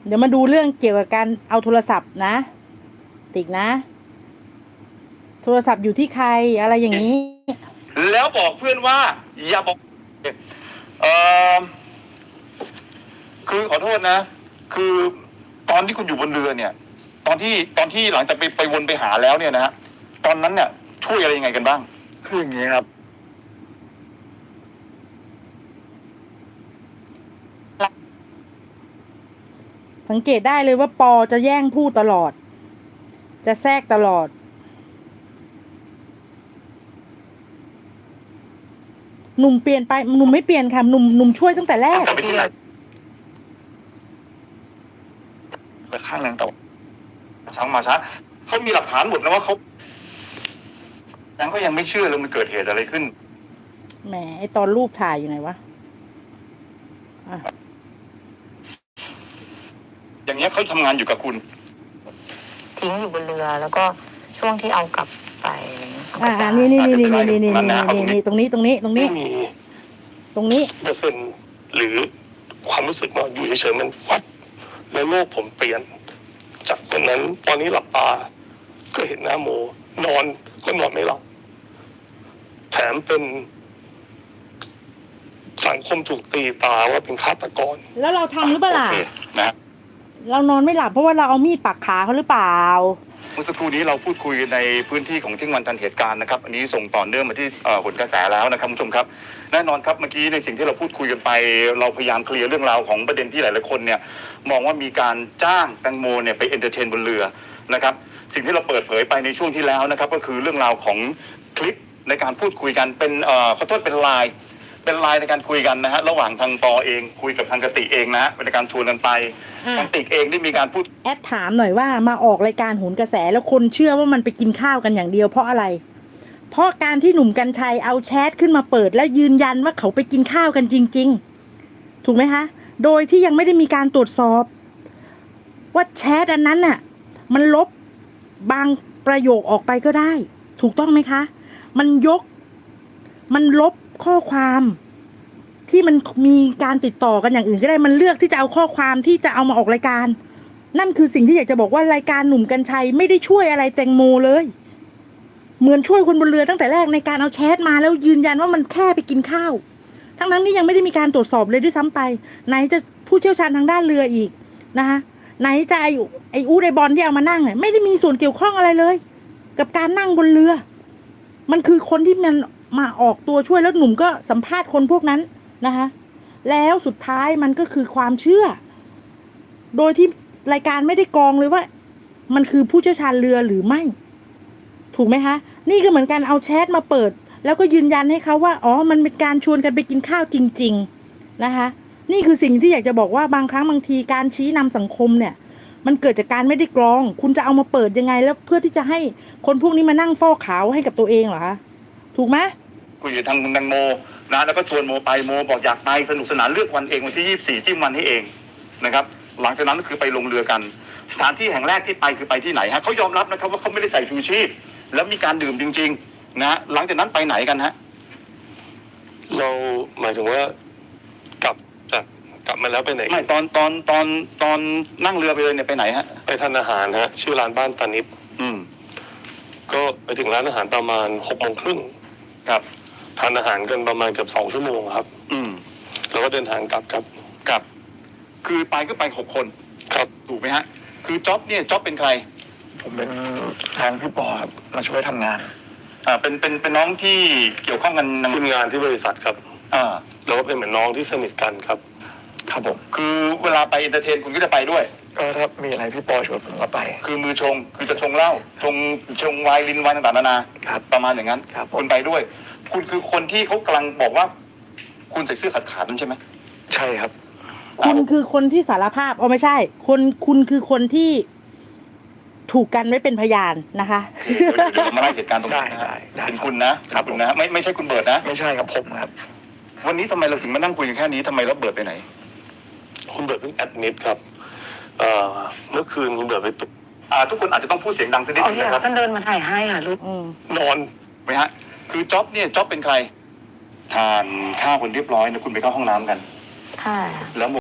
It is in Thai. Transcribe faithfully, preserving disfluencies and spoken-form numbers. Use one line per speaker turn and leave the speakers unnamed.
เดี๋ยวมาดูเรื่องเกี่ยวกับการเอาโทรศัพท์นะติ๊กนะโทรศัพท์อยู่ที่ใครอะไรอย่างนี้
แล้วบอกเพื่อนว่าอย่าบอกเออคือขอโทษนะคือตอนที่คุณอยู่บนเรือเนี่ยตอนที่ตอนที่หลังจากไปไปวนไปหาแล้วเนี่ยนะฮะตอนนั้นเนี่ยช่วยอะไรยังไงกันบ้าง
คืออย่างนี้ครับ
สังเกตได้เลยว่าปอจะแย่งพูดตลอดจะแทรกตลอดหนุ่มเปลี่ยนไปหนุ่มไม่เปลี่ยนค่ะหนุ่มหนุ่มช่วยตั้งแต่แรก
ไปที่ไหน
ไปข้างนางตะวัน
ช้างมาช้าเขามีหลักฐานหมดนะว่าเขายังก็ยังไม่เชื่อเลยมันเกิดเหตุอะไรขึ้น
แหมไอตอนรูปถ่ายอยู่ไหนวะอ่ะ
อย่างเงี้ยเขาทำงานอยู่กับคุณ
ทิ้งอยู่บนเรือแล้วก็ช่วงที่เอากลับไป
อ่านี่นี่นี่นี่นี่นี่นี่นี่นี่ตรงนี้ตรงนี้ตรงนี้
ไม่มี
ตรงนี้
เปอร์เซ็นต์หรือความรู้สึกว่าอยู่เฉยๆมันวัดแล้วโลกผมเปลี่ยนจากตอนนั้นตอนนี้หลับตาก็เห็นหน้าโมนอนก็นอนไม่หลับแถมเป็นสังคมถูกตีตาว่าเป็นฆาตกร
แล้วเราทำหรือเปล่าล่ะ
นะ
เรานอนไม่หลับเพราะว่าเราเอามีดปักขาเขาหรือเปล่า
เมื่อสักครู่นี้เราพูดคุยในพื้นที่ของที่วันทันเหตุการณ์นะครับอันนี้ส่งต่อเนื่องมาที่ผลกระแสแล้วนะครับคุณผู้ชมครับแน่นอนครับเมื่อกี้ในสิ่งที่เราพูดคุยกันไปเราพยายามเคลียร์เรื่องราวของประเด็นที่หลายๆคนเนี่ยมองว่ามีการจ้างแตงโมเนี่ยไปเอนเตอร์เทนบนเรือนะครับสิ่งที่เราเปิดเผยไปในช่วงที่แล้วนะครับก็คือเรื่องราวของคลิปในการพูดคุยกันเป็นเอ่อขอโทษเป็นไลน์เป็นไลน์ในการคุยกันนะฮะระหว่างทางปอเองคุยกับทางกติกเองนะเป็นการชวนกันไปทางติกเองได้มีการพูด
แอดถามหน่อยว่ามาออกรายการโหนกระแสแล้วคนเชื่อว่ามันไปกินข้าวกันอย่างเดียวเพราะอะไรเพราะการที่หนุ่มกรรชัยเอาแชทขึ้นมาเปิดและยืนยันว่าเขาไปกินข้าวกันจริงๆถูกไหมคะโดยที่ยังไม่ได้มีการตรวจสอบว่าแชทอันนั้นน่ะมันลบบางประโยคออกไปก็ได้ถูกต้องไหมคะมันยกมันลบข้อความที่มันมีการติดต่อกันอย่างอื่นก็ได้มันเลือกที่จะเอาข้อความที่จะเอามาออกรายการนั่นคือสิ่งที่อยากจะบอกว่ารายการหนุ่มกรรชัยไม่ได้ช่วยอะไรแตงโมเลยเหมือนช่วยคนบนเรือตั้งแต่แรกในการเอาแชทมาแล้วยืนยันว่ามันแค่ไปกินข้าวทั้งนั้นนี่ยังไม่ได้มีการตรวจสอบเลยด้วยซ้ำไปไหนจะผู้เชี่ยวชาญทางด้านเรืออีกนะคะไหนจะไอไออูไอบอลที่เอามานั่งเนี่ยไม่ได้มีส่วนเกี่ยวข้องอะไรเลยกับการนั่งบนเรือมันคือคนที่มันมาออกตัวช่วยแล้วหนุ่มก็สัมภาษณ์คนพวกนั้นนะคะแล้วสุดท้ายมันก็คือความเชื่อโดยที่รายการไม่ได้กรองเลยว่ามันคือผู้เชี่ยวชาญเรือหรือไม่ถูกไหมคะนี่ก็เหมือนกันเอาแชทมาเปิดแล้วก็ยืนยันให้เขาว่าอ๋อมันเป็นการชวนกันไปกินข้าวจริงๆนะคะนี่คือสิ่งที่อยากจะบอกว่าบางครั้งบางทีการชี้นำสังคมเนี่ยมันเกิดจากการไม่ได้กรองคุณจะเอามาเปิดยังไงแล้วเพื่อที่จะให้คนพวกนี้มานั่งฟอกขาวให้กับตัวเองเหรอคะถูกไหม
คุยกับทางคุณแตงโมนะแล้วก็ชวนโมไปโมบอกอยากไปสนุกสนานเลือกวันเองวันที่ยี่สิบสี่จิ้มวันให้เองนะครับหลังจากนั้นก็คือไปลงเรือกันสถานที่แห่งแรกที่ไปคือไปที่ไหนฮะเขายอมรับนะครับว่าเขาไม่ได้ใส่ชูชีพแล้วมีการดื่มจริงๆนะหลังจากนั้นไปไหนกันฮะ
เราหมายถึงว่ากลับจากกลับมาแล้วไปไหน
ไม่ตอนตอนตอนตอนนั่งเรือไปเลยเนี่ยไปไหนฮะ
ไปทานอาหารฮะชื่อร้านบ้านตานิบ
อืม
ก็ไปถึงร้านอาหารประมาณหกโมงครึ่ง
ครับ
ทานอาหารกันประมาณเกือบสองชั่วโมงครับ
อืม
แล้วก็เดินทางกลับครับ
ครับคือไปก็ไปหกคน
ครับ
ถูกไหมฮะคือจ๊อบเนี่ยจ๊อบเป็นใคร
ผมเป็นทางพี่ปอครับมาช่วยทำงาน
อ่าเป็นเป็นเป็นน้องที่เกี่ยวข้องกัน
ทีมงานที่บริษัทครับ
อ่า
แล้วก็เป็นเหมือนน้องที่สนิทกันครับครับผม
คือเวลาไปเอนเตอร์เทนคุณก็จะไปด้วย
ก็ถ้ามีอะไรพี่ปอชวนผมก็ไป
คือมือชงคือจะชงเหล้าชงชงไวน์ลินไวน์ต่างๆนานาประมาณอย่างนั้นคุณไปด้วยคุณคือคนที่เขากำลังบอกว่าคุณใส่เสื้อขาดขาดนั่นใช่ไหม
ใช่ครับ
คุณคือคนที่สารภาพอ๋อไม่ใช่คนคุณคือคนที่ถูกกันไว้เป็นพยานนะคะ
เดี๋ยวมาเล่าเหตุการณ์ตรงนี้นะเป็นคุณนะคุณนะไม่ไม่ใช่คุณเบิร์ดนะ
ไม่ใช่ครับผมครับ
วันนี้ทำไมเราถึงมานั่งคุยกันแค่นี้ทำไมเราเบิร์ดไปไหน
คุณเบิร์ดเพิ่งแอดมิดครับเมื่อคืนคุณเบิร์ดไปตึก
ทุกคนอาจจะต้องพูดเสียงดังสักนิดนึงนะครับ
ท่านเดินมาถ่ายให้ค่ะลูก
นอนไหมฮะคือจ๊อบเนี่ยจ๊อบเป็นใครทานข้าวคนเรียบร้อยนะคุณไปเข้าห้องน้ำกัน
ค่ะ
แล้ว